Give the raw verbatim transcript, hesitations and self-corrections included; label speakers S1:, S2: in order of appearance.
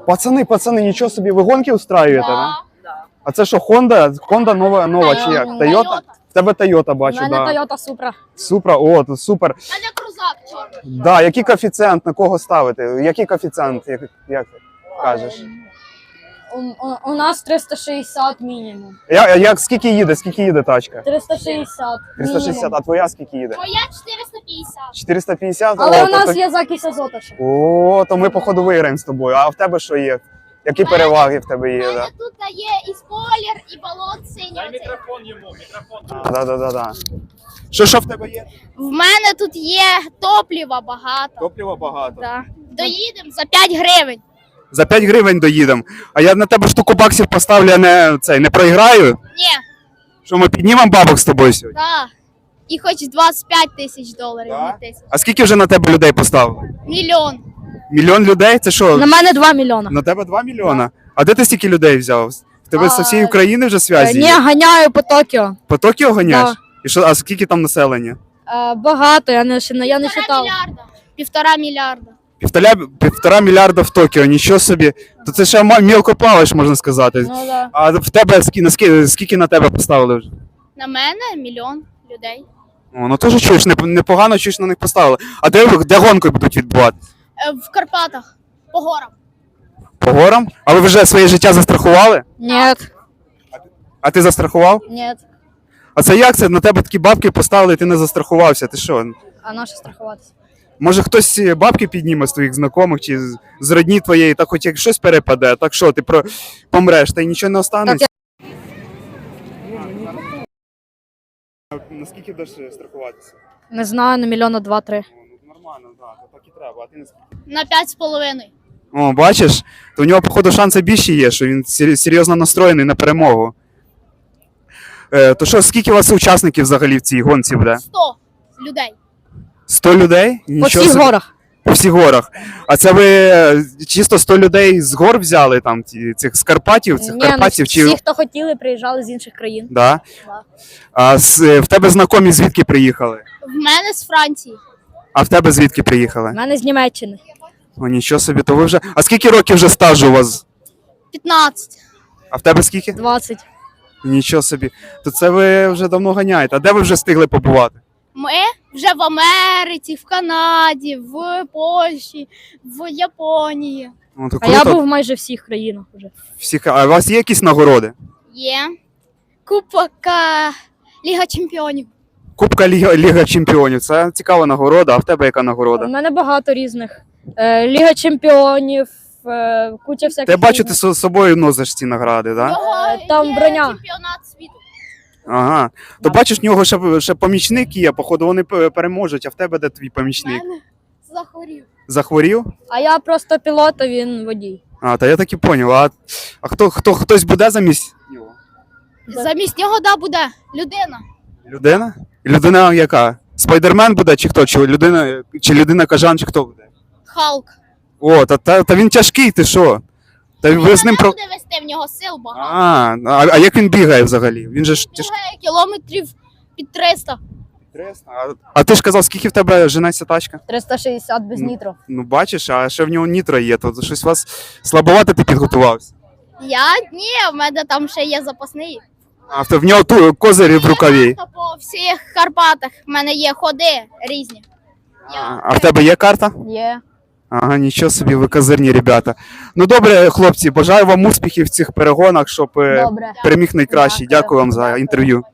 S1: Пацани, пацани, нічого собі, ви гонки устраюєте, да?
S2: Да.
S1: А це що, Honda? Honda нова, нова чи як? Toyota? В тебе Toyota, бачу,
S2: У мене
S1: да.
S2: Toyota Supra.
S1: Supra, о, то супер.
S3: У мене крузак чорний.
S1: Да, який коефіцієнт, на кого ставити? Який коефіцієнт, як, як ти кажеш?
S2: У, у, у нас триста шістдесят мінімум.
S1: Я, як, скільки їде, скільки їде тачка?
S2: триста шістдесят.
S1: триста шістдесят, а твоя скільки їде?
S3: Моя чотириста п'ятдесят.
S1: чотириста п'ятдесят?
S2: Але
S1: О,
S2: у
S1: то
S2: нас
S1: так-
S2: є закись азота ще.
S1: О, то ми походу виграємо з тобою. А в тебе що є? Які переваги в тебе
S3: У
S1: є?
S3: мене
S1: Да?
S3: тут є і спойлер, і балон синій. оцей.
S4: Мікрофон йому, мікрофон.
S1: А, да, да, да, да. Що, що в тебе є?
S3: В мене тут є топлива багато.
S1: Топлива багато.
S3: Да. Доїдемо за п'ять гривень.
S1: За п'ять гривень доїдемо. А я на тебе штуку баксів поставлю, я не, цей, не проіграю.
S3: Ні,
S1: Що ми піднімемо бабок з тобою сьогодні?
S3: да. І хоч двадцять п'ять тисяч доларів.
S1: Да?
S3: Не тисяч.
S1: А скільки вже на тебе людей поставили?
S3: Мільйон.
S1: Мільйон людей? Це що?
S2: На мене два мільйона.
S1: На тебе два мільйона? А де ти стільки людей взяв? В тебе з
S2: А,
S1: всієї України вже зв'язі?
S2: Ні,
S1: є?
S2: ганяю по Токіо.
S1: По Токіо ганяєш?
S2: Да.
S1: І що, а скільки там населення?
S2: Е, багато, я не, ще не- я не
S3: Півтора
S2: читав.
S3: мільярда. Півтора мільярда.
S1: Півтора, півтора мільярда в Токіо, нічого собі. То це ще ма- мілко плаваєш, можна сказати.
S2: Ну, да.
S1: А в тебе скільки, наскільки, скільки на тебе поставили вже?
S3: На мене мільйон людей.
S1: О, ну теж чуєш, неп- непогано чуєш на них поставили. А де, ви- де гонки будуть відбуватися?
S3: Е, В Карпатах. По горам.
S1: По горам? А ви вже своє життя застрахували?
S2: Ні,
S1: А ти застрахував?
S2: ні.
S1: А це як це? На тебе такі бабки поставили, і ти не застрахувався? Ти що?
S2: А на що страхуватися?
S1: Може хтось ці бабки підніме з твоїх знайомих чи з, з родні твоєї, так хоч як щось перепаде, так що ти про помреш, та й нічого не останеться. Наскільки будеш страхуватися?
S2: Не знаю, на мільйона два-три.
S1: Ну, нормально, так, так і треба. А ти не
S3: На п'ять з половиною.
S1: О, бачиш, то у нього, походу, шанси більші є, що він сер- серйозно настроєний на перемогу. Е, то що, скільки у вас учасників взагалі в цій гонці буде?
S3: Сто людей.
S1: сто людей?
S2: По
S1: Нічого
S2: всіх
S1: собі.
S2: горах.
S1: По всіх горах. А це ви е, чисто сто людей з гор взяли, там, ті, цих з Карпатів, цих
S2: Ні, ну,
S1: Карпатів? Чи...
S2: всі, хто хотіли, приїжджали з інших країн.
S1: Да?
S2: Да.
S1: А з, е, в тебе знайомі звідки приїхали?
S3: В мене з Франції.
S1: А в тебе звідки
S2: У
S1: приїхали?
S2: мене з Німеччини.
S1: О, нічого собі, то ви вже. А скільки років вже стажу у вас?
S3: п'ятнадцять.
S1: А в тебе скільки?
S2: двадцять.
S1: Нічого собі. То це ви вже давно ганяєте. А де ви вже встигли побувати?
S3: Ми вже в Америці, в Канаді, в Польщі, в Японії.
S1: О, то
S2: А я
S1: круто.
S2: був в майже всіх країнах вже.
S1: Всіх... А у вас є якісь нагороди?
S3: Є. Кубок е, Ліга Чемпіонів.
S1: Кубка Ліга, Ліга Чемпіонів. Це цікава нагорода, а в тебе яка
S2: У
S1: нагорода?
S2: мене багато різних. Е, Ліга чемпіонів, е, куча всяких.
S1: Ти бачу, ти
S2: різних.
S1: з собою носиш ці награди, так? Да?
S3: Його
S2: там
S3: є
S2: броня.
S3: чемпіонат світу.
S1: Ага. То бачиш, в нього ще, ще помічник є, походу вони п- переможуть, а в тебе де твій помічник?
S3: Мене захворів.
S1: Захворів?
S2: А я просто пілот, а він водій.
S1: А, та я так і поняв. А, а хто, хто, хтось буде замість нього?
S3: Замість нього да буде людина.
S1: Людина? Людина яка? Спайдермен буде чи хто? Чи людина, чи людина кажан, чи хто буде?
S3: Халк.
S1: О, та, та, та він тяжкий, ти що? Та ви з ним
S3: Мене
S1: про.
S3: буде вести, в нього сил багато.
S1: А, а, а як він бігає взагалі? Він же ж тяжкий.
S3: Бігає кілометрів під триста.
S1: А, а ти ж казав, скільки в тебе женеться тачка?
S2: триста шістдесят без
S1: Ну.
S2: нітро.
S1: Ну бачиш, а ще в нього нітро є, то щось у вас слабовато ти підготувався.
S3: Я ні, в мене там ще є запасний.
S1: А в, в нього ту козирі в рукаві.
S3: Та по всіх Карпатах в мене є ходи різні.
S1: А, а в тебе є карта?
S2: Є.
S1: Ага, нічого собі, ви козирні ребята. Ну добре, хлопці, бажаю вам успіхів в цих перегонах, щоб е,
S2: Добре.
S1: переміг найкращий.
S2: Дякую.
S1: Дякую вам за інтерв'ю.